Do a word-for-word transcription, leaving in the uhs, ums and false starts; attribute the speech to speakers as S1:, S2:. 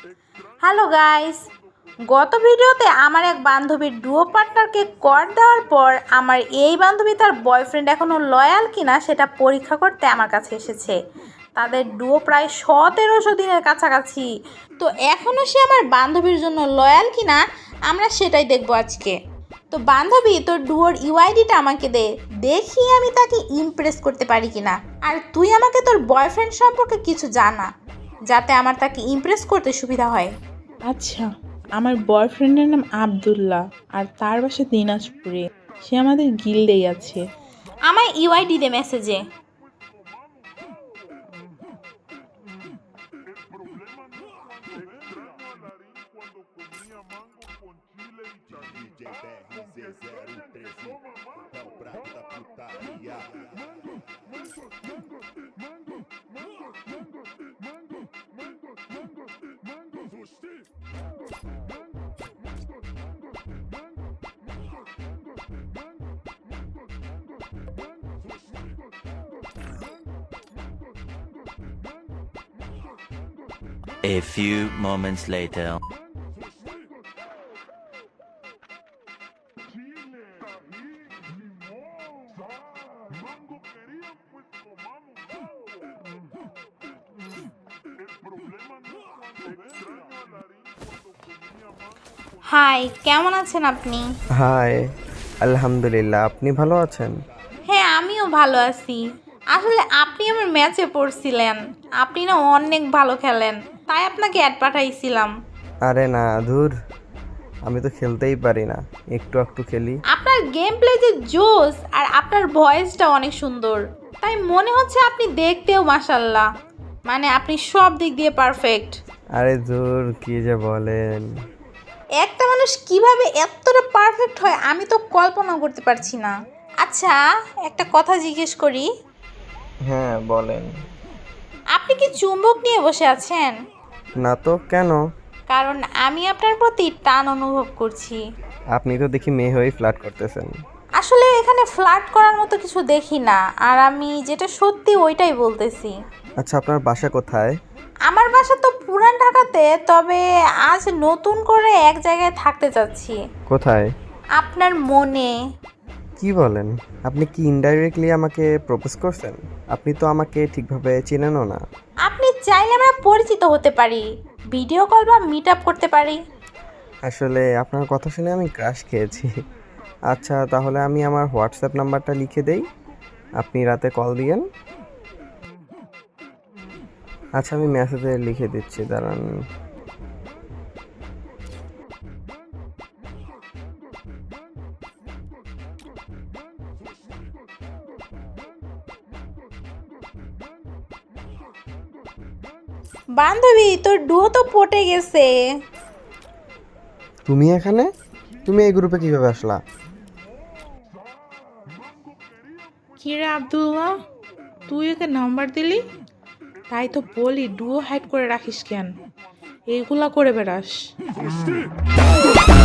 S1: Hello guys, গত ভিডিওতে আমার এক বান্ধবীর ডুও পার্টনারকে কর দেওয়ার পর আমার এই বান্ধবী তার বয়ফ্রেন্ড এখনও লয়াল কিনা সেটা পরীক্ষা করতে আমার কাছে এসেছে। তাদের ডুও প্রায় সতেরোশো দিনের কাছাকাছি, তো এখনও সে আমার বান্ধবীর জন্য লয়াল কিনা আমরা সেটাই দেখবো আজকে। তো বান্ধবী, তোর ডুয়োর ইউআইডিটা আমাকে দে, দেখি আমি তাকে ইমপ্রেস করতে পারি কিনা। আর তুই আমাকে তোর বয়ফ্রেন্ড সম্পর্কে কিছু জানা, যাতে আমার তাকে ইমপ্রেস করতে সুবিধা হয়।
S2: আচ্ছা, আমার বয়ফ্রেন্ডের নাম আব্দুল্লাহ আর তার বাসা দিনাজপুরে। সে আমাদের গিল্ডেই আছে।
S1: আমার ইউআইডি দে মেসেজে।
S3: A few moments later.
S1: Hi, কেমন আছেন আপনি?
S4: হাই, আলহামদুলিল্লাহ। আপনি ভালো আছেন?
S1: হ্যাঁ, আমিও ভালো আছি। আসলে আপনি আমার ম্যাচে পড়ছিলেন, আপনি না অনেক ভালো খেলেন, তাই আপনাকে অ্যাড পাঠাইছিলাম।
S4: আরে না, ধুর, আমি তো খেলতেই পারি না, একটু একটু খেলি।
S1: আপনার গেম প্লে যে জোস আর আপনার ভয়েসটা অনেক সুন্দর, তাই মনে হচ্ছে আপনি দেখতেও মাশাল্লাহ, মানে আপনি সব দিক দিয়ে পারফেক্ট।
S4: আরে ধুর, কি যে বলেন।
S1: একটা মানুষ কিভাবে এতটা পারফেক্ট হয় আমি তো কল্পনা করতে পারছি না। আচ্ছা, একটা কথা জিজ্ঞেস করি,
S4: হ্যাঁ বলেন।
S1: আপনি কি চুম্বক নিয়ে বসে আছেন?
S4: না তো, কেন?
S1: কারণ আমি আপনার প্রতি টান অনুভব করছি।
S4: আপনি তো দেখি মেয়ে হয়েই ফ্লার্ট করতেছেন।
S1: আসলে এখানে ফ্লার্ট করার মতো কিছু দেখি না, আর আমি যেটা সত্যি ওইটাই বলতেছি।
S4: আচ্ছা, আপনার বাসা কোথায়?
S1: আমার বাসা তো পুরান ঢাকাতে, তবে আজ নতুন করে এক জায়গায় থাকতে চাচ্ছি।
S4: কোথায়?
S1: আপনার মনে।
S4: কি বলেন? আপনি কি ইনডাইরেক্টলি আমাকে প্রপোজ করছেন? আপনি তো আমাকে ঠিকভাবে চেনেনও না।
S1: আপনি চাইলে আমরা পরিচিত হতে পারি, ভিডিও কল বা মিট আপ করতে পারি।
S4: আসলে আপনার কথা শুনে আমি ক্রাশ খেয়েছি। আচ্ছা, তাহলে আমি আমার হোয়াটসঅ্যাপ নাম্বারটা লিখে দেই, আপনি রাতে কল দিয়েন। আচ্ছা, আমি মেসেজে লিখে দিচ্ছি, দাঁড়ান।
S1: বান্ধবী, তোর ডুও তো পটে গেছে।
S4: তুমি এখানে? তুমি এই গ্রুপে কিভাবে আসলা?
S2: কি রে আব্দুল্লাহ, তুই ওকে নাম্বার দিলি? তাই তো বলি, ডুও হাইড করে রাখিস কেন? এইগুলা করে বেড়াস।